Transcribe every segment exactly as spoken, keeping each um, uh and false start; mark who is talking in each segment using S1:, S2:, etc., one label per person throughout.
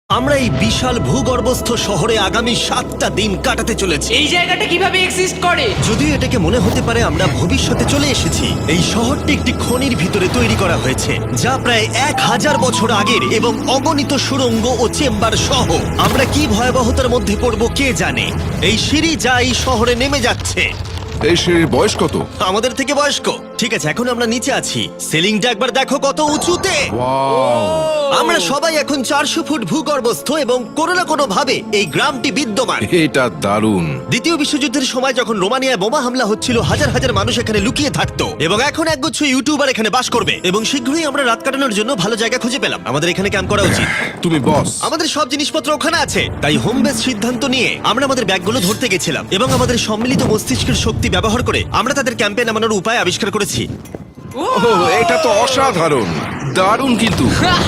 S1: আমরা এই বিশাল ভূগর্ভস্থ শহরে আগামী সাতটা দিন কাটাতে চলেছি।
S2: এই জায়গাটা কিভাবে এক্সিস্ট করে?
S1: যদিও এটাকে মনে হতে পারে আমরা ভবিষ্যতে চলে এসেছি, এই শহরটি একটি খনির ভিতরে তৈরি করা হয়েছে যা প্রায় এক হাজার বছর আগের এবং অগণিত সুড়ঙ্গ ও চেম্বার সহ। আমরা কি ভয়াবহতার মধ্যে পড়ব কে জানে। এই সিঁড়ি যা এই শহরে নেমে যাচ্ছে
S3: এই সিঁড়ির বয়স কত?
S1: আমাদের থেকে বয়স্ক। ঠিক আছে, এখন আমরা নিচে আছি। সিলিংটা একবার দেখো কত উঁচুতে।
S3: ওয়াও!
S1: আমরা সবাই এখন চারশো ফুট ভূগর্ভস্থ এবং কোনো না কোনো ভাবে এই গ্রামটি বিদ্যমান।
S3: এটা দারুণ।
S1: দ্বিতীয় বিশ্বযুদ্ধের সময় যখন রোমানিয়ায় বোমা হামলা হচ্ছিল, হাজার হাজার মানুষ এখানে লুকিয়ে থাকতো এবং এখন একগুচ্ছ ইউটিউবার এখানে বাস করবে। এবং শীঘ্রই আমরা রাত কাটানোর জন্য ভালো জায়গা খুঁজে পেলাম। আমাদের এখানে ক্যাম্প করা উচিত।
S3: তুমি বস।
S1: আমাদের সব জিনিসপত্র ওখানে আছে, তাই হোম বেস সিদ্ধান্ত নিয়ে আমরা আমাদের ব্যাগগুলো ধরতে গেছিলাম এবং আমাদের সম্মিলিত মস্তিষ্কের শক্তি ব্যবহার করে আমরা তাদের ক্যাম্পে নামানোর উপায় আবিষ্কার করেছি।
S3: ওহ, এটা তো অসাধারণ, দারুণ। কিন্তু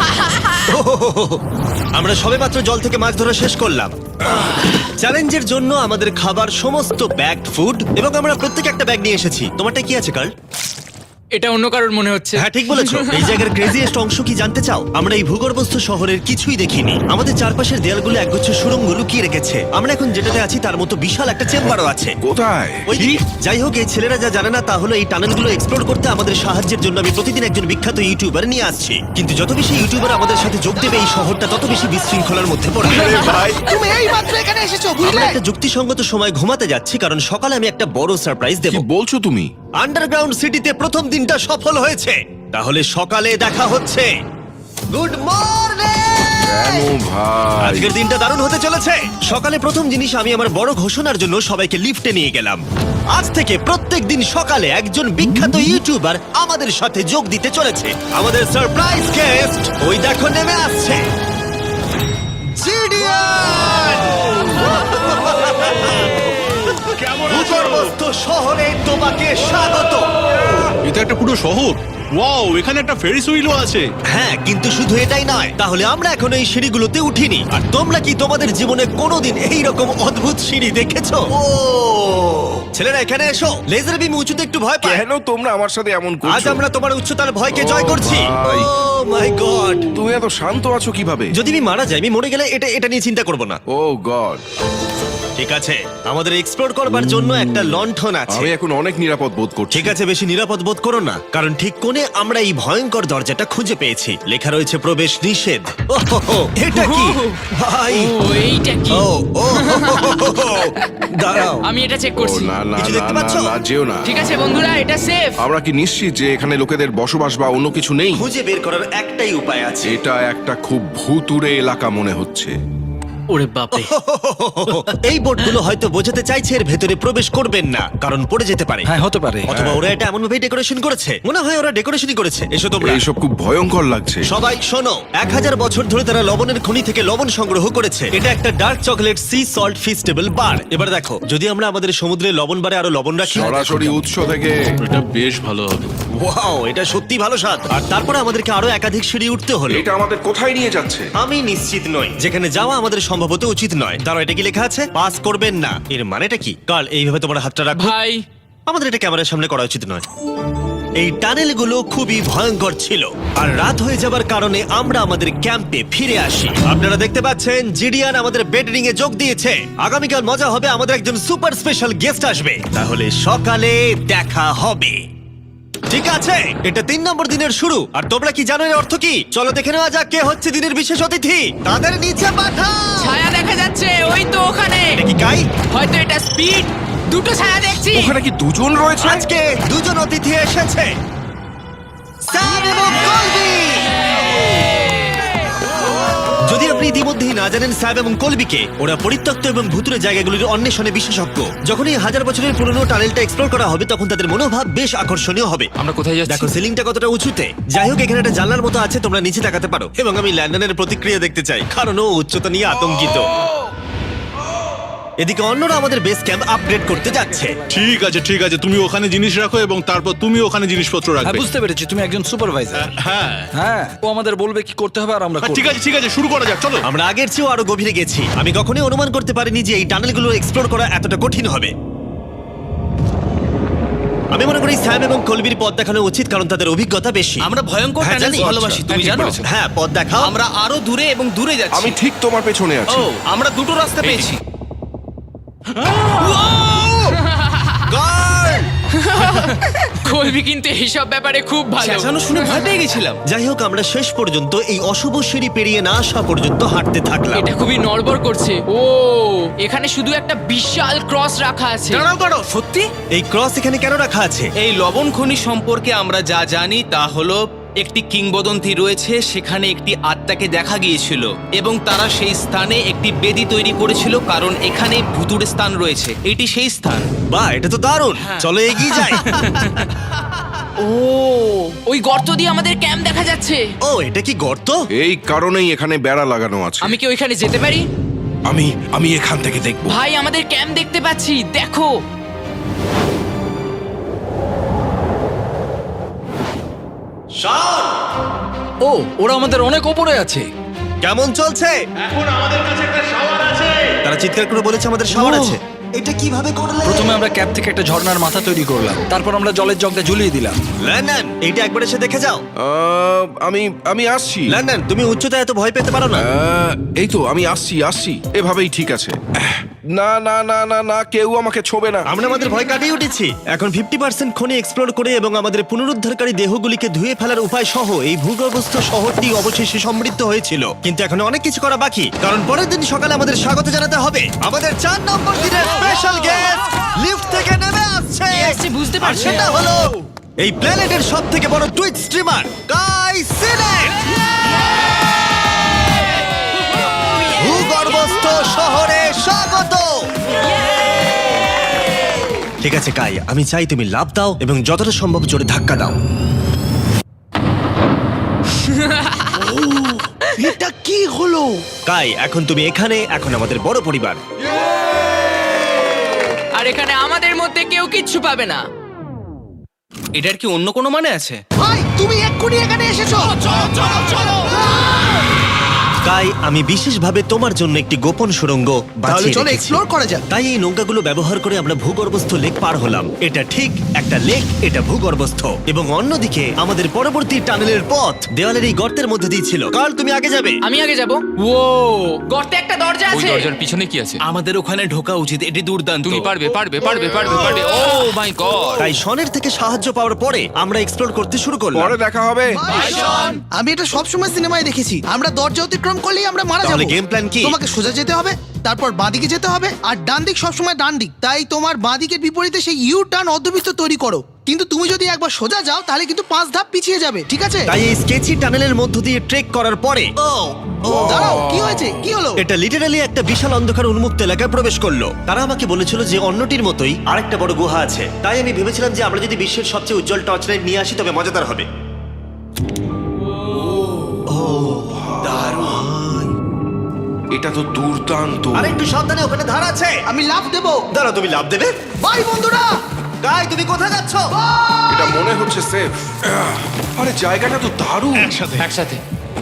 S1: আমরা সবেমাত্র জল থেকে মাছ ধরা শেষ করলাম। চ্যালেঞ্জের জন্য আমাদের খাবার সমস্ত ব্যাগড ফুড এবং আমরা প্রত্যেক একটা ব্যাগ নিয়ে এসেছি। তোমারটা কি আছে কার্ল?
S2: এটা অন্য কারোর মনে হচ্ছে।
S1: হ্যাঁ, ঠিক বলেছো। এই জায়গার ক্রেজিয়েস্ট অংশ কি জানতে চাও? আমরা এই ভূগর্ভস্থ শহরের কিছুই দেখিনি। আমাদের চারপাশের দেয়ালগুলো একগুচ্ছ সুড়ঙ্গ লুকিয়ে রেখেছে। আমরা এখন যেটাতে আছি তার মতো বিশাল একটা চেম্বারও আছে।
S3: কোথায়?
S1: ওইদিকে। যাই হোক, এই ছেলেরা যা জানে না তা হলো এই টানেলগুলো এক্সপ্লোর করতে আমাদের সাহায্যের জন্য আমি প্রতিদিন একজন বিখ্যাত ইউটিউবার নিয়ে আসছি। কিন্তু যত বেশি ইউটিউবার আমাদের সাথে যোগ দেবে এই শহরটা তত বেশি বিশৃঙ্খলার মধ্যে পড়বে।
S3: ভাই,
S4: তুমি এই মাত্র এখানে এসেছো,
S1: আমরা
S4: বুঝলে?
S1: একটা যুক্তিসঙ্গত সময় ঘুমাতে যাচ্ছি কারণ সকালে আমি একটা বড় সারপ্রাইজ দেব।
S3: কি বলছো তুমি?
S1: আন্ডারগ্রাউন্ড সিটিতে প্রথম দিনটা সফল হয়েছে। তাহলে সকালে দেখা হচ্ছে। Good morning!
S3: কেন ভাই?
S1: আজকের দিনটা দারুণ হতে চলেছে। সকালে প্রথম জিনিস, আমি আমার বড় ঘোষণার জন্য সবাইকে লিফটে নিয়ে গেলাম। আজ থেকে প্রত্যেক দিন সকালে একজন বিখ্যাত ইউটিউবার আমাদের সাথে যোগ দিতে চলেছে। আমাদের সারপ্রাইজ গেস্ট ওই দেখো নেমে আসছে, জিডিয়ান! ভূগর্ভস্থ শহরে তোমাকে স্বাগত।
S5: এটা একটা পুরো শহর। ওয়াও, এখানে একটা ফেরিস হুইলও আছে।
S1: হ্যাঁ, কিন্তু শুধু এটাই নয়। তাহলে আমরা এখন এই সিঁড়িগুলোতে উঠিনি। আর তোমরা কি তোমাদের জীবনে কোনোদিন এই রকম অদ্ভুত সিঁড়ি দেখেছো? ও ছেলেরা, এখানে এসো। লেজার বিম উঁচুতে একটু ভয় পায়।
S3: কেন তোমরা আমার সাথে এমন
S1: আজ
S3: করছো?
S1: আমরা তোমার উচ্চতার ভয়কে জয়
S3: ও
S1: করছি।
S3: ভাই।
S1: Oh my God!
S3: তুমি এত শান্ত আছো কিভাবে?
S1: যদি আমি মারা যাই, আমি মরে গেলে এটা এটা নিয়ে চিন্তা করব না।
S3: Oh God!
S1: ঠিক আছে, আমাদের এক্সপ্লোর করবার জন্য একটা লণ্ঠন আছে।
S3: আমি এখন অনেক নিরাপদ বোধ করছি।
S1: ঠিক আছে, বেশি নিরাপদ বোধ করো না, কারণ ঠিক কোণে আমরা এই ভয়ঙ্কর দরজাটা খুঁজে পেয়েছি। লেখা রয়েছে প্রবেশ নিষেধ। ওহো, এটা কি ভাই?
S2: ও এইটা কি?
S1: ও ও দাঁড়াও,
S2: আমি এটা চেক
S3: ও
S2: করছি।
S3: না না
S1: কিছু
S3: না
S1: দেখতে
S3: না
S1: পাচ্ছো?
S3: না, যেও না।
S2: ঠিক আছে বন্ধুরা, এটা সেফ।
S3: আমরা কি নিশ্চিত যে এখানে লোকেদের বসবাস বা অন্য কিছু নেই?
S1: খুঁজে বের করার একটাই উপায় আছে।
S3: এটা একটা খুব ভুতুড়ে এলাকা মনে হচ্ছে।
S2: ওরে বাপরে।
S1: এই বোর্ডগুলো হয়তো বোঝাতে চাইছে এর ভেতরে প্রবেশ করবেন না, কারণ পড়ে যেতে পারে।
S4: হ্যাঁ, হতে পারে।
S1: অথবা ওরা এটা এমন ভাবে ডেকোরেশন করেছে, মনে হয় ওরা ডেকোরেশনই করেছে। এসো তোমরা।
S3: এইসব খুব ভয়ঙ্কর লাগছে।
S1: সবাই শোনো, এক হাজার বছর ধরে তারা লবণের খনি থেকে লবণ সংগ্রহ করেছে। এটা একটা dark chocolate sea salt Feastable bar. এবার দেখো, যদি আমরা আমাদের সমুদ্রে লবণ বারে আরো লবণ রাখি।
S3: সরাসরি উৎস থেকে।
S5: এটা বেশ ভালো হবে।
S1: ওয়াও, এটা সত্যি ভালো স্বাদ। আর তারপরে আমাদেরকে আরো একাধিক সিঁড়ি উঠতে হলো।
S3: এটা আমাদের কোথায় নিয়ে যাচ্ছে?
S1: আমি নিশ্চিত নই। যেখানে যাওয়া আমাদের সম্ভবত উচিত নয়। দাঁড়াও, এটা কি লেখা আছে? পাস করবেন না। এর মানেটা কি? কাল এইভাবে তোমার হাতটা রাখো।
S2: ভাই,
S1: আমাদের এটা ক্যামেরার সামনে করা উচিত নয়। এই টানেলগুলো খুবই ভয়ঙ্কর ছিল, আর রাত হয়ে যাবার কারণে আমরা আমাদের ক্যাম্পে ফিরে আসি। আপনারা দেখতে পাচ্ছেন জিডিয়ান আমাদের বেডরিং এ যোগ দিয়েছে। আগামীকাল মজা হবে, আমাদের একজন সুপার স্পেশাল গেস্ট আসবে। তাহলে সকালে দেখা হবে। ঠিক আছে, এটা তিন নম্বর দিনের শুরু। আর তোমরা কি জানো এর অর্থ কি? চলো দেখে নেওয়া যাক কে হচ্ছে দিনের বিশেষ অতিথি। তাদের নিচে পাঠাও।
S2: ছায়া দেখা যাচ্ছে ওই তো ওখানে।
S1: এটা কি কাই?
S2: হয়তো এটা স্পিড। দুটো ছায়া দেখছি।
S3: ওখানে কি দুজন রয়েছে?
S1: আজকে দুজন অতিথি এসেছে, স্যাম এবং কলবি। যদি আপনি ইতিমধ্যেই না জানেন স্যাম এবং কলবিকে, ওরা পরিত্যক্ত এবং ভুতুরে জায়গাগুলির অন্বেষণে বিশেষজ্ঞ। যখন এই হাজার বছরের পুরনো টানেলটা এক্সপ্লোর করা হবে, তখন তাদের মনোভাব বেশ আকর্ষণীয় হবে।
S2: আমরা কোথায় যাচ্ছি?
S1: দেখো সিলিংটা কতটা উঁচুতে। যাই হোক, এখানে একটা জানলার মতো আছে, তোমরা নিচে তাকাতে পারো। এবং আমি ল্যান্ডনের প্রতিক্রিয়া দেখতে চাই, কারণ ও উচ্চতা নিয়ে আতঙ্কিত। এদিকে অন্যরা আমাদের বেস ক্যাম্প আপগ্রেড করতে যাচ্ছে।
S5: ঠিক আছে ঠিক আছে, তুমি ওখানে জিনিস রাখো এবং তারপর তুমি ওখানে জিনিসপত্র
S4: হ্যাঁ,
S5: রাখবে।
S4: বুঝতে পেরেছি, তুমি একজন সুপারভাইজার।
S5: হ্যাঁ
S4: হ্যাঁ, ও আমাদের বলবে কি করতে হবে আর আমরা
S5: হ্যাঁ,
S4: করব।
S5: ঠিক আছে ঠিক আছে, শুরু করা যাক, চলো।
S1: আমরা আগের চেয়েও আরো গভীরে গেছি। আমি কখনোই অনুমান করতে পারিনি যে এই টানেলগুলো এক্সপ্লোর করা এতটা কঠিন হবে। আমি মনে করি স্যাম এবং কলবির পথ দেখানো উচিত, কারণ তাদের অভিজ্ঞতা বেশি।
S6: আমরা ভয়ঙ্কর
S1: হ্যাঁ,
S6: টানেলস
S1: জানি।
S6: ভালোবাসি,
S1: আচ্ছা,
S6: তুমি
S1: হ্যাঁ, ঠিক
S6: জানো?
S1: বলেছো। হ্যাঁ, পথ দেখাও।
S6: আমরা আরো দূরে এবং দূরে যাচ্ছি।
S3: আমি ঠিক তোমার পেছনে আছি।
S6: ও, আমরা দুটো রাস্তা পেয়েছি।
S1: Guard!
S2: কলবি কিন্তু এইসব ব্যাপারে খুব ভালো।
S6: চেঁচানো শুনে ভয় পেয়ে গেছিলাম।
S1: যাই হোক, আমরা শেষ পর্যন্ত এই অশুভ সিঁড়ি পেরিয়ে না আসা পর্যন্ত হাঁটতে থাকলাম।
S2: এটা খুবই নড়বড় করছে। ও, এখানে শুধু একটা বিশাল ক্রস রাখা আছে।
S6: দাঁড়াও দাঁড়াও, সত্যি?
S1: এই ক্রস এখানে কেন রাখা আছে?
S6: এই লবণ খনি সম্পর্কে আমরা যা জানি তা হলো একটি কিংবদন্তি রয়েছে, সেখানে একটি আত্মাকে দেখা গিয়েছিল এবং তারা সেই স্থানে একটি বেদি তৈরি করেছিল, কারণ এখানে ভুতুড়ে স্থান রয়েছে। এটি সেই স্থান।
S1: বাহ, এটা তো দারুণ।
S6: হ্যাঁ।
S1: চলো এগিয়ে যাই।
S2: ও, ওই গর্ত দিয়ে আমাদের ক্যাম্প দেখা যাচ্ছে।
S1: ও, এটা কি গর্ত?
S3: এই কারণেই এখানে বেড়া লাগানো আছে।
S2: আমি কি ওইখানে যেতে পারি?
S3: আমি আমি এখান থেকে দেখব।
S2: ভাই, আমাদের ক্যাম্প দেখতে পাচ্ছি, দেখো।
S4: ও, ওরা আমাদের অনেক ওপরে আছে।
S1: কেমন চলছে? তারা চিৎকার করে বলেছে আমাদের শাওয়ার আছে। এটা কিভাবে করলে?
S4: প্রথমে আমরা ক্যাপ থেকে একটা ঝর্ণার মাথা তৈরি করলাম, তারপর আমরা জলের জগটা ঝুলিয়ে দিলাম।
S1: লন্ডন, এইটা একবার এসে দেখে যাও।
S3: আহ, আমি আমি আসছি।
S1: লন্ডন, তুমি উচ্চতায় এত ভয় পেতে পারো না।
S3: আহ, এই তো আমি আসছি আসছি এভাবেই ঠিক আছে। আহ, না না না না না কেউ আমাকে ছোবে না।
S1: আমরা আমাদের ভয় কাটিয়ে উঠেছি। এখন ফিফটি পার্সেন্ট খনি এক্সপ্লোর করে এবং আমাদের পুনরুদ্ধারকারী দেহগুলিকে ধুয়ে ফেলার উপায় সহ এই ভূগর্ভস্থ শহরটি অবশেষে সমৃদ্ধ হয়েছিল। কিন্তু এখন অনেক কিছু করা বাকি, কারণ পরের দিন সকালে আমাদের স্বাগত জানাতে হবে আমাদের চার নম্বর দিনের স্পেশাল গেস্ট লিফট থেকে নেমে আসছে।
S2: কে আসছে বুঝতে
S1: আর
S2: পারছি
S1: সেটা
S2: না।
S1: হলো এই প্ল্যানেটের সব থেকে বড় টুইট স্ট্রিমার গাই সিলেট। ভূগর্ভস্থ শহরে স্বাগত। ঠিক আছে কাই, আমি চাই তুমি লাফ দাও এবং যতটা সম্ভব জোরে ধাক্কা দাও।
S4: এটা কি হলো?
S1: কাই, এখন তুমি এখানে, এখন আমাদের বড় পরিবার।
S2: আর এখানে আমাদের মধ্যে কেউ কিচ্ছু পাবে না।
S6: এটার কি অন্য কোনো মানে আছে?
S4: ভাই, তুমি এক্ষুনি এখানে এসেছো।
S2: চলো চলো চলো।
S1: কাই, আমি বিশেষভাবে তোমার জন্য একটি গোপন সুড়ঙ্গ বাছিয়ে
S4: চলো
S1: রেখেছি।
S4: এক্সপ্লোর করা যাক।
S1: তাই এই নৌকাগুলো ব্যবহার করে আমরা ভূগর্ভস্থ লেক পার হলাম। এটা ঠিক একটা লেক, এটা ভূগর্ভস্থ, এবং অন্যদিকে আমাদের পরবর্তী টানেলের পথ দেওয়ালের এই গর্তের মধ্যে দিয়ে ছিল। কার্ল, তুমি আগে যাবে।
S2: আমি আগে যাব। ও, গর্তে একটা দরজা
S7: ওই
S2: আছে।
S7: দরজার পিছনে কি আছে?
S6: আমাদের ওখানে ঢোকা উচিত, এটি দুর্দান্ত।
S7: তুমি পারবে পারবে পারবে পারবে পারবে ও মাই গড!
S1: তাই শনের থেকে সাহায্য পাওয়ার পরে আমরা এক্সপ্লোর করতে শুরু করলাম।
S3: পরে দেখা হবে।
S4: আমি এটা সবসময় সিনেমায় দেখেছি, আমরা দরজা অতিক্রম করলেই আমরা মারা
S1: তাহলে
S4: যাবো।
S1: game plan কি?
S4: তোমাকে সোজা যেতে হবে, তারপর বাঁদিকে যেতে হবে, আর ডান দিক সবসময় ডান দিক। তাই তোমার বাঁদিকের বিপরীতে সেই ইউ টার্ন অর্ধবৃত্ত তৈরি করো। কিন্তু তুমি যদি একবার সোজা যাও তাহলে কিন্তু পাঁচ ধাপ পিছিয়ে যাবে, ঠিক আছে?
S1: তাই এই স্কেচি টানেলের মধ্য দিয়ে ট্রেক করার পরে
S4: দাঁড়াও, কি হয়েছে? কি হলো?
S1: এটা লিটারালি একটা বিশাল অন্ধকার উন্মুক্ত এলাকায় প্রবেশ করলো। তারা আমাকে বলেছিল যে অন্যটির মতোই আরেকটা বড় গুহা আছে। তাই আমি ভেবেছিলাম যে আমরা যদি বিশ্বের সবচেয়ে উজ্জ্বল টর্চ লাইট নিয়ে আসি তবে মজাদার হবে।
S3: এটা তো দুর্দান্ত।
S1: আর একটু সাবধানে, ওখানে ধার আছে।
S4: আমি লাফ দেবো।
S1: দাঁড়াও, তুমি লাভ দেবে?
S4: বাই বন্ধুরা।
S1: গাই, তুমি কোথায় যাচ্ছ?
S3: এটা মনে হচ্ছে সেফ। আরে জায়গাটা তো দারুণ।
S7: একসাথে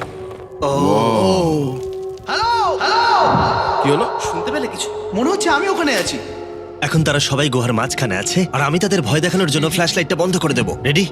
S4: হ্যালো হ্যালো,
S3: কি হলো?
S6: শুনতে পেলে কিছু?
S4: মনে হচ্ছে আমি ওখানে আছি।
S1: এখন তারা সবাই গুহার মাঝখানে আছে, আর আমি তাদের ভয় দেখানোর জন্য ফ্ল্যাশ লাইটটা বন্ধ করে দেবো। রেডি?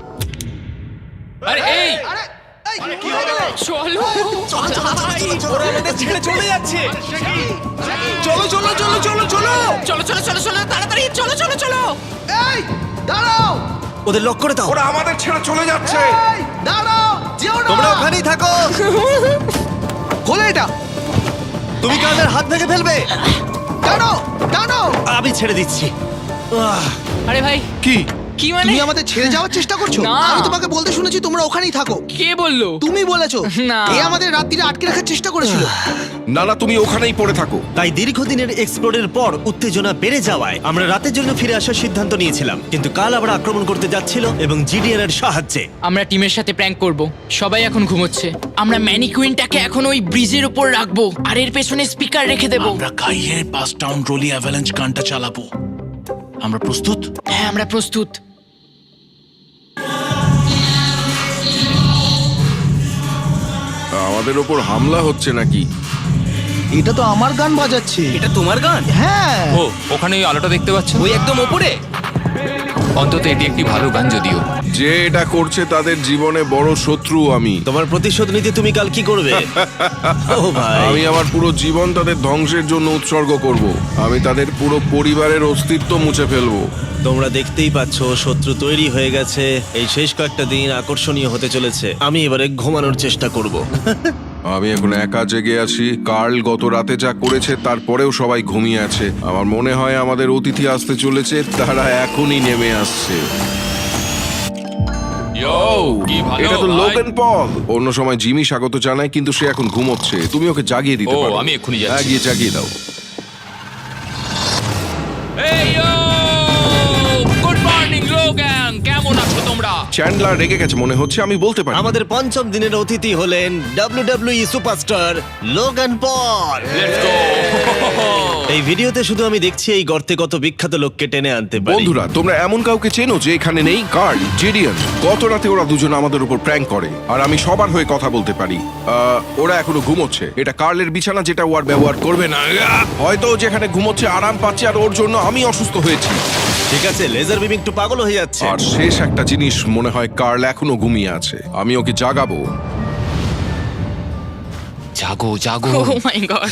S7: আরে এই
S4: আরে এই, কি হয়ে গেল?
S2: চলো
S6: ওরা আমাদের ছেড়ে চলে যাচ্ছে। চলো চলো চলো চলো চলো।
S2: চলো চলো চলো চলো তাড়াতাড়ি চলো চলো চলো।
S4: এই দাঁড়াও,
S1: ওদের লক করে দাও।
S3: ওরা আমাদের ছেড়ে চলে যাচ্ছে।
S4: এই দাঁড়াও, যেও না।
S1: তোমরা ওখানেই থাকো।
S4: খোলো এটা।
S1: তুমি কাদের হাত ভেঙে ফেলবে।
S4: টানো টানো।
S1: আমি ছেড়ে দিচ্ছি। আহ,
S2: আরে ভাই,
S3: কি?
S2: কি মানে?
S4: তুমি আমাদের ছেড়ে যাওয়ার চেষ্টা করছো?
S2: না।
S4: আমি তোমাকে বলতে শুনেছি তোমরা ওখানেই থাকো।
S2: কে বললো?
S4: তুমি বলেছো।
S2: না।
S4: এ আমাদের রাত্রিরে আটকে রাখার চেষ্টা করেছিল।
S3: না না তুমি ওখানেই পড়ে থাকো।
S1: তাই দীর্ঘদিনের এক্সপ্লোরের পর উত্তেজনা বেড়ে যাওয়ায় আমরা রাতের জন্য ফিরে আসার সিদ্ধান্ত নিয়েছিলাম। কিন্তু কাল আবার আক্রমণ করতে যাচ্ছিল এবং জিডিআর এর সাহায্যে।
S2: আমরা টিমের সাথে প্র্যাঙ্ক করব। সবাই এখন ঘুমোচ্ছে। আমরা ম্যানিকুইনটাকে এখন ওই ব্রিজের উপর রাখবো আর এর পেছনে স্পিকার রেখে দেবো।
S5: আমরা কাইয়ের পাস টাউন রোলি অ্যাভালাঞ্চ গানটা চালাবো। আমরা প্রস্তুত?
S2: হ্যাঁ, আমরা প্রস্তুত।
S3: আমাদের ওপর হামলা হচ্ছে নাকি?
S4: এটা তো আমার গান বাজাচ্ছে।
S6: এটা তোমার গান?
S4: হ্যাঁ।
S7: ও ওখানে ওই আলোটা দেখতে পাচ্ছ?
S6: ওই একদম ওপরে।
S7: অন্তত এটি একটি ভালো গান যদিও।
S3: যে এটা করছে তাদের জীবনে বড় শত্রু আমি।
S1: তোমার প্রতিশোধ নিতে তুমি কাল কি করবে? ও ভাই,
S3: আমি আমার পুরো জীবন তাদের ধ্বংসের জন্য উৎসর্গ করব। আমি তাদের পুরো পরিবারের অস্তিত্ব মুছে ফেলবো।
S1: তোমরা দেখতেই পাচ্ছ শত্রু তৈরি হয়ে গেছে। এই শেষ কয়েকটা দিন আকর্ষণীয় হতে চলেছে। আমি এবারে ঘুমানোর চেষ্টা করব।
S3: আমি এখন একা জেগে আছি। কার্ল গত রাতে যা করেছে তারপরেও সবাই ঘুমিয়ে আছে। আমার মনে হয় আমাদের অতিথি আসতে চলেছে, তারা এখনই নেমে আসছে।
S7: ইয়ো, কি ভালো
S3: এটা তো
S7: ভাই।
S3: Logan Paul. অন্য সময় জিমি স্বাগত জানায়, কিন্তু সে এখন ঘুমোচ্ছে। তুমি ওকে জাগিয়ে দিতে
S7: ও,
S3: পারো।
S7: আমি এক্ষুনি যাচ্ছি।
S3: হ্যাঁ, গিয়ে জাগিয়ে দাও।
S7: এই ইয়ো! গুড মর্নিং লোগান, কেমন আছো তোমরা?
S3: চ্যান্ডলার রেগে গেছে মনে হচ্ছে, আমি বলতে পারি।
S1: আমাদের পঞ্চম দিনের অতিথি হলেন WWE superstar Logan Paul.
S7: Let's go!
S1: এই ভিডিওতে শুধু আমি দেখছি এই গর্তে কত বিখ্যাত লোককে টেনে আনতে পারি।
S3: বন্ধুরা, তোমরা এমন কাউকে চেনো যে এখানে নেই? Karl, Jidion. গত রাতে ওরা দুজন আমাদের উপর প্র্যাঙ্ক করে, আর আমি সবার হয়ে কথা বলতে পারি। আহ, ওরা এখনো ঘুমোচ্ছে। এটা কার্লের বিছানা, যেটা ও আর ব্যবহার করবে না। আহ! হয়তো ও যেখানে ঘুমোচ্ছে আরাম পাচ্ছে, আর ওর জন্য আমি অসুস্থ হয়েছি।
S1: ঠিক আছে, লেজার বিম একটু পাগল হয়ে যাচ্ছে।
S3: আর শেষ একটা জিনিস, মনে হয় কার্ল এখনো ঘুমিয়ে আছে। আমি ওকে জাগাবো।
S7: জাগো জাগো।
S2: ও মাই গড!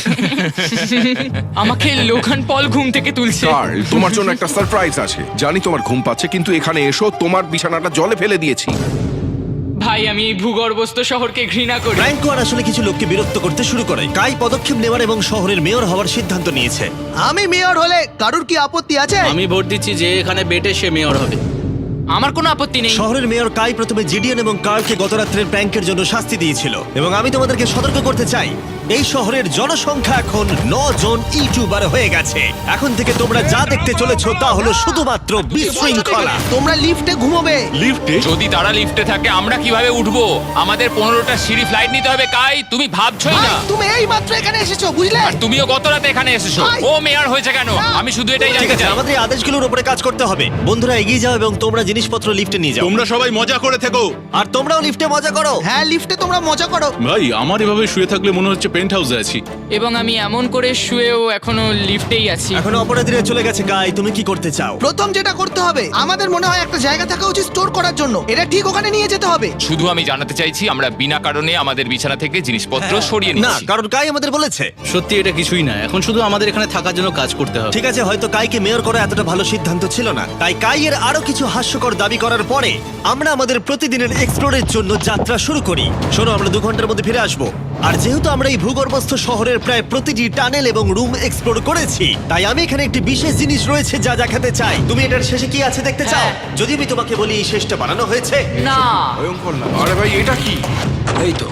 S2: আমাকে লোগান পল ঘুম থেকে তুলছে।
S3: কার্ল, তোমার জন্য একটা সারপ্রাইজ আছে। জানি তোমার ঘুম পাচ্ছে, কিন্তু এখানে এসো, তোমার বিছানাটা জলে ফেলে দিয়েছি।
S2: ভাই, আমি এই ভূগর্ভস্থ শহরকে ঘৃণা করি।
S1: ফ্র্যাঙ্কো আর আসলে কিছু লোককে বিরক্ত করতে শুরু করে। কাই পদক্ষেপ নেওয়ার এবং শহরের মেয়র হওয়ার সিদ্ধান্ত নিয়েছে।
S4: আমি মেয়র হলে কারুর কি আপত্তি আছে?
S8: আমি ভোট দিচ্ছি যে এখানে বেটে সে মেয়র হবে।
S2: আমার কোনো আপত্তি নেই।
S1: শহরের মেয়র কাই প্রথমে জিডিএন এবং কার্লকে গত রাত্রের প্র্যাঙ্কের জন্য শাস্তি দিয়েছিল, এবং আমি তোমাদেরকে সতর্ক করতে চাই, এই শহরের জনসংখ্যা এখন ন জন ইউটিউবার হয়ে গেছে। এখন থেকে তোমরা যা দেখতে চলেছো তা হলো শুধুমাত্র বিশৃঙ্খলা।
S4: তোমরা লিফটে ঘুমোবে।
S7: যদি তারা লিফটে থাকে আমরা কিভাবে উঠবো? আমাদের পনেরোটা সিঁড়ি ফ্লাইট নিতে হবে। কাই, তুমি ভাবছোই
S4: ভাই,
S7: না।
S4: তুমি এই মাত্র এখানে এসেছো, বুঝলে?
S7: আর তুমিও গত রাতে এখানে এসেছো।
S4: ভাই!
S7: ও মেয়র হয়েছে কেন? আমি শুধু এটাই
S1: ঠিক
S7: জানতে
S1: আছে,
S7: চাই।
S1: আমাদের এই আদেশগুলোর উপরে কাজ করতে হবে। বন্ধুরা, এগিয়ে যাও এবং তোমরা জিনিসপত্র লিফটে নিয়ে যাও।
S9: তোমরা সবাই মজা করে থেকো।
S1: আর তোমরাও লিফটে মজা করো।
S4: হ্যাঁ, লিফটে তোমরা মজা করো।
S9: ভাই, আমার এভাবে শুয়ে থাকলে মনে হচ্ছে পেন্ট হাউসে আছি।
S2: এবং আমি এমন করে শুয়েও এখনো লিফটেই আছি।
S1: এখন অপরাধীরা চলে গেছে। কাই, তুমি কি করতে চাও?
S4: প্রথম যেটা করতে হবে, আমাদের মনে হয় একটা জায়গা থাকা উচিত স্টোর করার জন্য। এটা ঠিক ওখানে নিয়ে যেতে হবে।
S7: শুধু আমি জানাতে চাইছি আমরা বিনা কারণে আমাদের বিছানা থেকে জিনিসপত্র সরিয়ে
S1: না,
S7: নিচ্ছি।
S1: কারণ কাই আমাদের বলেছে।
S8: সত্যি এটা কিছুই না, এখন শুধু আমাদের এখানে থাকার জন্য কাজ করতে হবে।
S1: ঠিক আছে, হয়তো কাইকে মেয়র করা এতটা ভালো সিদ্ধান্ত ছিল না। তাই কাইয়ের আরো কিছু হাস্যকর দাবি করার পরে আমরা আমাদের প্রতিদিনের এক্সপ্লোরের জন্য যাত্রা শুরু করি। শোনো, আমরা দু ঘন্টার মধ্যে ফিরে আসবো। আর যেহেতু আমরা এই ভূগর্ভস্থ শহরের প্রায় প্রতিটি টানেল এবং রুম এক্সপ্লোর করেছি, তাই আমি এখানে একটি বিশেষ জিনিস রয়েছে যা দেখাতে চাই। তুমি এটার শেষে কি আছে দেখতে চাও?
S2: হ্যাঁ।
S1: যদি আমি তোমাকে বলি এই শেষটা বানানো হয়েছে।
S2: না।
S3: ভয়ঙ্কর না? আরে ভাই, এটা কি?
S8: এই তো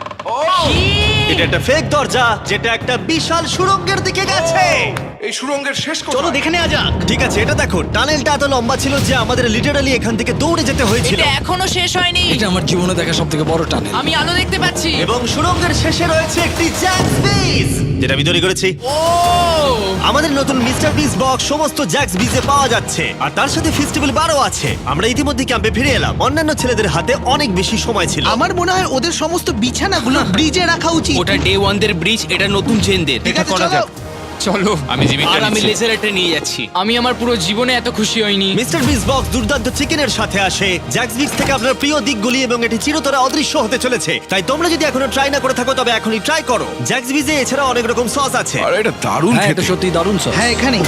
S1: এটা একটা ফেক দরজা, যেটা একটা বিশাল সুড়ঙ্গের দিকে গেছে।
S3: এই সুড়ঙ্গের শেষ কোথায়?
S8: চলো দেখে নেওয়া যাক।
S1: ঠিক আছে, এটা দেখো, টানেলটা এত লম্বা ছিল যে আমাদের লিটারালি এখান থেকে দৌড়ে যেতে হয়েছিল।
S2: এটা এখনো শেষ হয়নি।
S8: এটা আমার জীবনে দেখা সবথেকে বড় টানেল।
S2: আমি আলো দেখতে পাচ্ছি।
S1: এবং সুড়ঙ্গের শেষে রয়েছে একটি জ্যাক্স বিজ, যেটা আমি তৈরি করেছি।
S2: ও!
S1: আমাদের নতুন মিস্টার বিস বক্স সমস্ত জ্যাক্স বিজে পাওয়া যাচ্ছে, আর তার সাথে ফেস্টিভ্যাল বারও আছে। আমরা ইতিমধ্যে ক্যাম্পে ফিরে এলাম। অন্যান্য ছেলেদের হাতে অনেক বেশি সময় ছিল।
S4: আমার মনে হয় ওদের সমস্ত বিছানাগুলো ব্রিজে রাখা উচিত।
S6: ওটা ডে ওয়ান দের ব্রিজ, এটা নতুন জেনদের।
S4: ঠিক
S6: এটা
S4: আছে,
S6: করা
S4: চলো।
S6: যাক।
S7: চলো, আমি জিমিটা
S6: আর আমি
S7: নিচ্ছি।
S6: লেজারটা নিয়ে যাচ্ছি।
S2: আমি আমার পুরো জীবনে এত খুশি হইনি।
S1: মিস্টার বিস বক্স দুর্দান্ত চিকেনের সাথে আসে, জ্যাক্স বিক্স থেকে আপনার প্রিয় দিকগুলি, এবং এটি চিরতরে অদৃশ্য হতে চলেছে। তাই তোমরা যদি এখনো ট্রাই না করে থাকো তবে এখনই ট্রাই করো। জ্যাক্স বিজে এছাড়া অনেক রকম সস আছে।
S3: আরে এটা দারুণ
S8: হ্যাঁ, এটা
S3: খেতে।
S8: সত্যি দারুণ সব।
S4: হ্যাঁ, এখানেই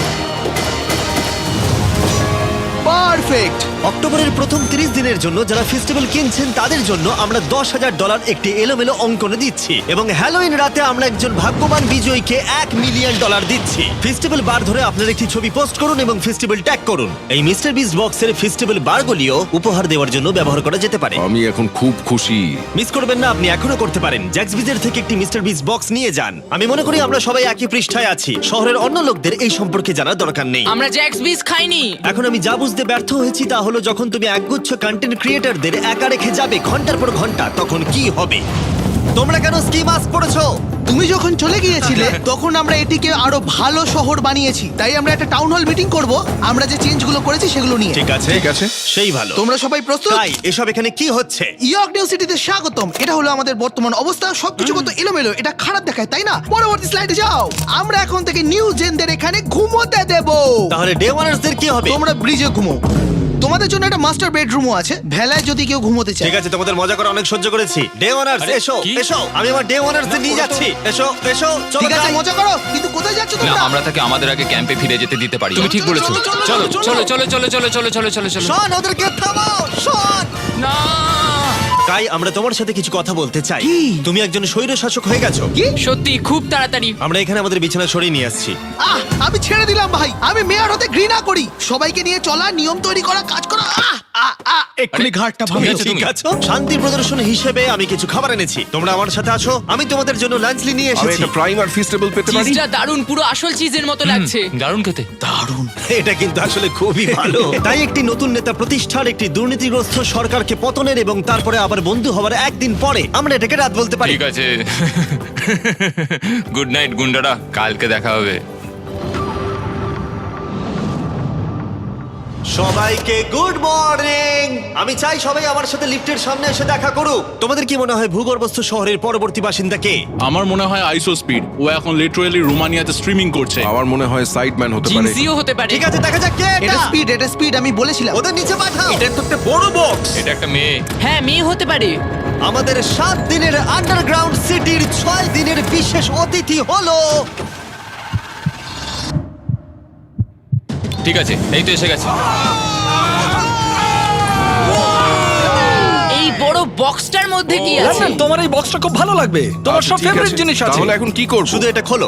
S4: পারফেক্ট।
S1: অক্টোবরের প্রথম তিরিশ দিনের জন্য যারা ফেস্টিভ্যাল কিনছেন তাদের জন্য আমরা দশ হাজার ডলার একটি এলোমেলো অঙ্কনে দিচ্ছি, এবং হ্যালোইন রাতে আমরা একজন ভাগ্যবান বিজয়ীকে এক মিলিয়ন ডলার দিচ্ছি। ফেস্টিভ্যাল বার ধরে আপনার একটি ছবি পোস্ট করুন এবং ফেস্টিভ্যাল ট্যাগ করুন। এই মিস্টার বিস বক্সের ফেস্টিভ্যাল বারগুলিও উপহার দেওয়ার জন্য ব্যবহার করা যেতে পারে।
S3: আমি এখন খুব খুশি।
S1: মিস করবেন না, আপনি এখনো করতে পারেন। জ্যাক্স বিজের থেকে একটি মিস্টার বিস বক্স নিয়ে যান। আমি মনে করি আমরা সবাই একই পৃষ্ঠায় আছি। শহরের অন্য লোকদের এই সম্পর্কে জানার দরকার নেই।
S2: আমরা জ্যাক্স বিস খাইনি।
S1: এখন আমি যা বুঝতে ব্যর্থ হয়েছি তা হলো, যখন তুমি একগুচ্ছ কন্টেন্ট ক্রিয়েটরদের একা রেখে যাবে ঘন্টার পর ঘন্টা, তখন কি হবে? তোমরা কেন স্কি মাস্ক পরেছো?
S4: তুমি যখন চলে গিয়েছিলে তখন আমরা এটিকে আরো ভালো শহর বানিয়েছি। তাই আমরা একটা টাউন হল মিটিং করব, আমরা যে চেঞ্জগুলো করেছি সেগুলো নিয়ে।
S1: ঠিক আছে,
S3: ঠিক আছে।
S1: সেই ভালো।
S4: তোমরা সবাই প্রস্তুত?
S1: তাই এসব এখানে কি হচ্ছে?
S4: ইয়র্ক নিউ সিটিতে স্বাগতম। এটা হলো আমাদের বর্তমান অবস্থা। সবকিছু কত এলোমেলো, এটা খারাপ দেখায়, তাই না? পরবর্তী স্লাইডে যাও। আমরা এখন থেকে নিউ জেনদের এখানে ঘুমোতে দেব।
S1: তাহলে ডে ওয়ানার্সদের কি হবে?
S4: তোমরা ব্রিজে ঘুমো। তোমাদের জন্য একটা মাস্টার বেডরুমও আছে ভেলায় যদি কেউ ঘুমোতে চায়।
S1: ঠিক আছে, তোমাদের মজা করে অনেক সহ্য করেছি। ডে ওয়ানার্স
S7: আরে,
S1: এসো
S7: কি?
S1: এসো, আমি আমার ডে ওয়ানার্স নিয়ে যাচ্ছি। এসো এসো, চলো
S4: ঠিক আছে
S1: যাই।
S4: মজা করো, কিন্তু কোথায় যাচ্ছ
S7: না
S4: তোমরা?
S7: আমরা তাকে আমাদের আগে ক্যাম্পে ফিরে যেতে দিতে পারি তুমি ঠিক বলেছো
S4: চলো, চলো,
S7: চলো
S4: চলো,
S7: চলো চলো চলো চলো চলো চলো চলো চলো
S1: শন, ওদেরকে থামাও, শন।
S7: না
S1: কাই, আমরা তোমার সাথে কিছু কথা বলতে চাই। তুমি একজন স্বৈর শাসক হয়ে গেছো।
S2: সত্যি খুব তাড়াতাড়ি।
S1: আমরা এখানে আমাদের বিছানা সরিয়ে নিয়ে আসছি।
S4: আহ আমি ছেড়ে দিলাম ভাই, আমি মেয়র হতে ঘৃণা করি। সবাইকে নিয়ে চলা, নিয়ম তৈরি করা, কাজ করা। আহ আহ আহ এক্ষুনি ঘাটটা
S7: তুমি
S4: ভাঙলো।
S7: আছো
S1: ঠিক
S7: তুমি?
S1: আছে, শান্তি প্রদর্শন হিসেবে আমি কিছু খাবার এনেছি। তোমরা আমার সাথে আছো, আমি তোমাদের জন্য লাঞ্চলি নিয়ে
S3: আমি
S1: এসেছি।
S3: একটা প্রাইম আর ফিস্টেবল পেতে পারি?
S2: চিজটা দারুন, পুরো আসল চিজের মতো লাগছে।
S7: দারুণ খেতে
S1: এটা কিন্তু আসলে খুবই ভালো। তাই একটি নতুন নেতা প্রতিষ্ঠার, একটি দুর্নীতিগ্রস্ত সরকারকে পতনের এবং তারপরে আবার বন্ধু হওয়ার একদিন পরে আমরা এটাকে রাত বলতে পারি।
S7: ঠিক আছে গুড নাইট গুন্ডারা কালকে দেখা হবে
S1: সবাইকে গুড মর্নিং। আমি চাই সবাই আমার সাথে লিফটের সামনে এসে দেখা করুক। তোমাদের কি মনে হয় ভূগর্ভস্থ শহরের পরবর্তী বাসিন্দা কে?
S9: আমার মনে হয় আইসো স্পিড ও এখন লিটারালি রোমানিয়াতে স্ট্রিমিং করছে।
S3: আমার মনে হয় সাইডম্যান হতে পারে।
S2: জিনসিও হতে পারে।
S1: ঠিক আছে, দেখা যাক কে
S4: এটা
S1: এটা।
S4: স্পিড, এটা স্পিড, আমি বলেছিলাম।
S1: ওদের নিচে পাঠাও।
S7: এটা একটা মেয়ে
S2: হ্যাঁ, মেয়ে হতে পারে।
S1: আমাদের সাত দিনের আন্ডারগ্রাউন্ড সিটির ছয় দিনের বিশেষ অতিথি হলো
S7: ঠিক আছে এই তো এসে গেছে
S2: এই বড় বক্সটার মধ্যে কি আছে?
S10: তোমার এই বক্সটা খুব ভালো লাগবে, তোমার
S3: আচ্ছা,
S10: সব
S3: ঠিক
S10: ফেভারিট
S3: আছে।
S10: জিনিস আছে।
S3: তাহলে এখন কি করব?
S1: শুধু এটা খোলো।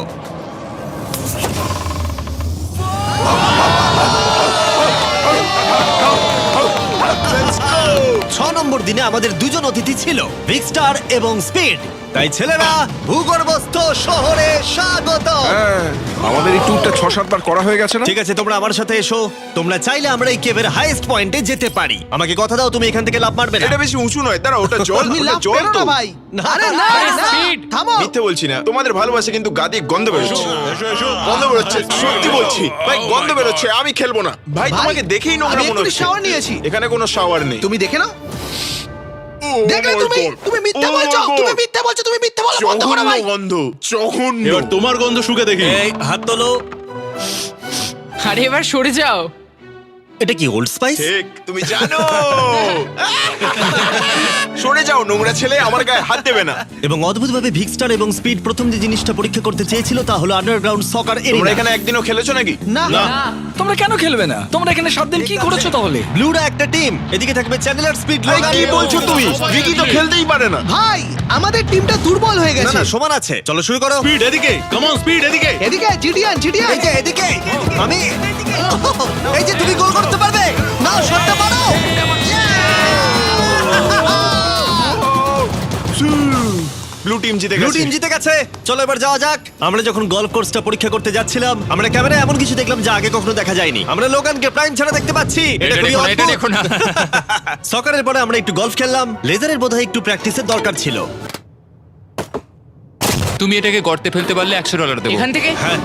S1: ছ নম্বর দিনে আমাদের দুজন অতিথি ছিল, ভিক্সটার এবং স্পিড। তাই ছেলেরা, ভূগর্ভস্থ শহরে স্বাগত।
S3: হ্যাঁ, আমাদের এই ট্যুরটা ছ সাতবার করা হয়ে গেছে না?
S1: ঠিক আছে, তোমরা আমার সাথে এসো। তোমরা চাইলে আমরা এই কেভের হাইয়েস্ট পয়েন্টে যেতে পারি। আমাকে কথা দাও, তুমি এখান থেকে লাফ মারবে না।
S11: এটা বেশি উঁচু নয়, দাঁড়া, ওটা জল,
S4: তুমি
S11: ওটা
S4: লাভ
S11: জল
S4: করো
S11: তো।
S4: না ভাই।
S1: না,
S4: আরে না
S2: আরে
S4: না,
S2: speed।
S4: থামো।
S11: মিথ্যে বলছি না, তোমাদের ভালোবাসে কিন্তু গাদি গন্ধ বেরোচ্ছে। গন্ধ বেরোচ্ছে, সত্যি বলছি ভাই, গন্ধ বেরোচ্ছে। আমি খেলবো না ভাই,
S4: ভাই,
S11: তোমাকে দেখেই নোংরা
S4: আমি
S11: মনে
S4: এক্ষুনি
S11: হচ্ছে।
S4: shower নিয়েছি।
S11: এখানে কোনো শাওয়ার নেই।
S4: তুমি দেখে নাও।
S11: ও
S4: দেখলে
S11: my
S4: তুমি,
S11: God!
S4: তুমি মিথ্যা
S11: Oh my
S4: বলছো,
S11: God!
S4: তুমি মিথ্যা বলছো, তুমি মিথ্যা বলা বন্ধ করো
S11: জঘন্য
S4: ভাই।
S11: গন্ধ, জঘন্য।
S9: এবার তোমার গন্ধ শুকে দেখি।
S1: এই হাত তোলো।
S2: আরে এবার সরে যাও।
S1: এটা কি ওল্ড স্পাইস?
S11: ঠিক, তুমি জানো। সরে যাও নোংরা ছেলে, আমার গায়ে হাত দেবে না।
S1: এবং অদ্ভুতভাবে ভিক্সটার এবং স্পিড প্রথম যে জিনিসটা পরীক্ষা করতে চেয়েছিল তা হলো আন্ডারগ্রাউন্ড সকার
S11: তোমরা
S1: এরিয়া।
S11: এখানে একদিনও খেলেছো নাকি?
S4: না
S10: তোমরা কেন খেলবে না? তোমরা এখানে সাত দিন কি করেছো তাহলে?
S1: ব্লুরা একটা টিম, এদিকে থাকবে চ্যানেলার, স্পিড,
S11: ভাই,
S1: লোগান।
S11: কি বলছো তুমি? ভিকি তো খেলতেই পারে না।
S4: ভাই, আমাদের টিমটা দুর্বল হয়ে
S1: না
S4: গেছে।
S1: না, সমান আছে। চলো শুরু করো।
S9: স্পিড এদিকে, কাম অন স্পিড এদিকে।
S4: এদিকে জিডিয়ান, জিডিয়ান।
S1: এই যে এদিকে, আমি এই যে তুমি গোল করতে পারবে না, শটটা মারো।
S11: ব্লু টিম জিতে
S1: ব্লু
S11: গেছে।
S1: টিম জিতে গেছে। চলো এবার যাওয়া যাক। আমরা যখন গলফ কোর্সটা পরীক্ষা করতে যাচ্ছিলাম, আমরা ক্যামেরায় এমন কিছু দেখলাম যা আগে কখনো দেখা যায়নি। আমরা লোগানকে প্রাইম ছাড়া দেখতে পাচ্ছি।
S7: এটা
S1: খুবই
S7: দেখো না, এটা
S1: অদ্ভুত।
S7: দেখো না।
S1: সকারের পরে আমরা একটু গলফ খেললাম। লেজারের বোধহয় একটু প্র্যাকটিসের দরকার ছিল।
S7: তুমি এটাকে গর্তে ফেলতে পারলে একশো ডলার দেবো
S2: এখান থেকে
S1: হ্যাঁ,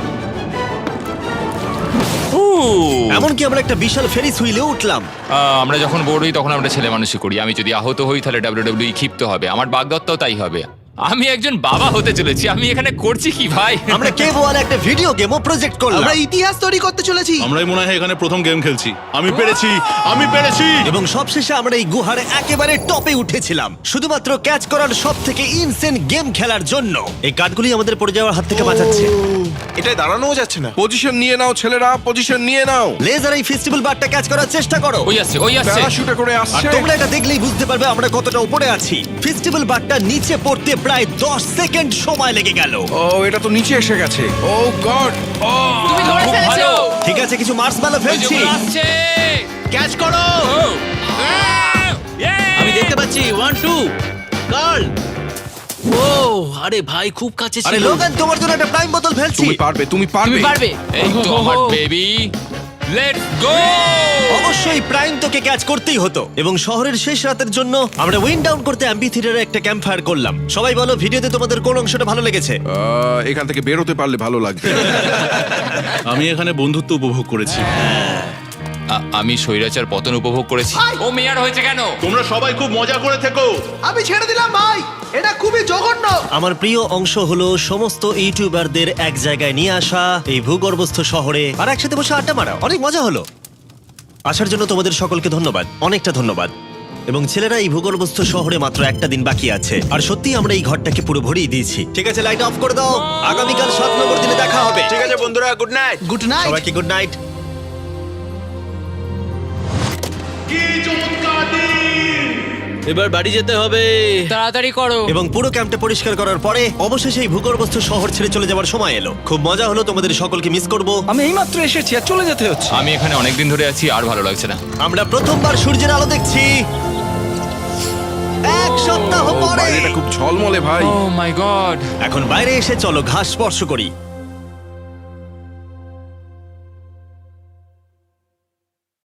S7: ও,
S1: এমনকি আমরা একটা বিশাল ফেরিস হুইলে উঠলাম।
S7: আহ, আমরা যখন বোর হই তখন আমরা ছেলে মানুষই করি আমি যদি আহত হই তাহলে ডাব্লিউডাব্লিউই ক্ষিপ্ত হবে আমার বাগদত্তাও তাই হবে আমি একজন বাবা হতে চলেছি আমি এখানে করছি কি ভাই
S1: আমরা কেভ ওয়ালে একটা ভিডিও গেমও প্রজেক্ট করলাম।
S4: আমরা ইতিহাস তৈরি করতে চলেছি।
S9: আমরাই মনে হয় এখানে প্রথম গেম খেলছি। আমি পেরেছি, আমি পেরেছি।
S1: এবং সবশেষে আমরা এই গুহার একেবারে টপে উঠেছিলাম শুধুমাত্র ক্যাচ করার সব থেকে ইনসেন গেম খেলার জন্য। এই কাঠগুলি আমাদের পড়ে যাওয়ার হাত থেকে বাঁচাচ্ছে।
S11: এটাই দাঁড়ানোও যাচ্ছে না।
S3: পজিশন নিয়ে নাও ছেলেরা, পজিশন নিয়ে নাও।
S1: লেজার এই ফেস্টিভ্যাল বারটা ক্যাচ করার চেষ্টা করো।
S7: ওই আসছে ওই আসছে
S3: প্যারাশুটে করে
S1: আর
S3: আসছে।
S1: তোমরা এটা দেখলেই বুঝতে পারবে আমরা কতটা উপরে আছি। ফেস্টিভ্যাল বারটা নিচে পড়তে প্রায় দশ সেকেন্ড সময় লেগে গেল।
S3: ও, এটা তো নিচে এসে গেছে। ও গড। ও,
S2: তুমি ধরে
S7: খুব
S2: ফেলেছো।
S7: ভালো।
S1: ঠিক আছে, কিছু মার্সম্যালো
S7: ওই যে
S1: ফেলছি।
S7: ওগুলো আসছে
S8: ক্যাচ করো।
S7: ও, আহ, yeah!
S8: আমি দেখতে পাচ্ছি ওয়ান টু গার্ল। ও আরে ভাই খুব কাছে
S1: আরে
S8: ছিল।
S1: লোগান, তোমার জন্য একটা প্রাইম বোতল ফেলছি।
S3: তুমি পারবে, তুমি পারবে।
S2: তুমি পারবে।
S7: এই তো আমার বেবি লেটস গো
S1: অবশ্যই প্রাইম তোকে ক্যাচ করতেই হতো। এবং শহরের শেষ রাতের জন্য আমরা উইন্ড ডাউন করতে অ্যাম্পি থিয়েটারে একটা ক্যাম্প ফায়ার করলাম। সবাই বলো ভিডিওতে তোমাদের কোন অংশটা ভালো লেগেছে?
S3: আহ, এখান থেকে বেরোতে পারলে ভালো লাগবে।
S9: আমি এখানে বন্ধুত্ব উপভোগ করেছি।
S7: আমি স্বৈরাচার পতন উপভোগ করেছি ও মেয়ার হয়েছে কেন
S9: তোমরা সবাই খুব মজা করে থেকো।
S4: আমি ছেড়ে দিলাম ভাই, এটা খুবই জঘন্য।
S1: আমার প্রিয় অংশ হলো সমস্ত ইউটিউবারদের এক জায়গায় নিয়ে আসা এই ভূগর্ভস্থ শহরে আর একসাথে বসে আড্ডা মারা। অনেক মজা হলো। আসার জন্য তোমাদের সকলকে ধন্যবাদ, অনেকটা ধন্যবাদ। এবং ছেলেরা, এই ভূগর্ভস্থ শহরে মাত্র একটা দিন বাকি আছে, আর সত্যি আমরা এই ঘরটাকে পুরো ভরিয়ে দিয়েছি। ঠিক আছে, লাইট অফ করে দাও। আগামীকাল সাত নম্বর দিনে দেখা হবে।
S11: ঠিক আছে বন্ধুরা, গুড নাইট।
S4: Good night.
S1: সবাইকে গুড নাইট।
S8: এবার বাড়ি যেতে হবে।
S2: তাড়াতাড়ি করো।
S1: এবং পুরো ক্যাম্পটা পরিষ্কার করার পরে অবশেষে এই ভূগর্ভস্থ শহর ছেড়ে চলে যাওয়ার সময় এলো। খুব মজা হলো, তোমাদের সকলকে মিস করব।
S10: আমি এইমাত্র এসেছি আর চলে যেতে হচ্ছে।
S7: আমি এখানে অনেকদিন ধরে আছি, আর ভালো লাগছে না।
S1: আমরা প্রথমবার সূর্যের আলো দেখছি এক সপ্তাহ
S3: ও,
S1: পরে।
S3: বাইরেটা খুব ঝলমলে ভাই।
S7: Oh my God.
S1: এখন বাইরে এসে চলো ঘাস স্পর্শ করি।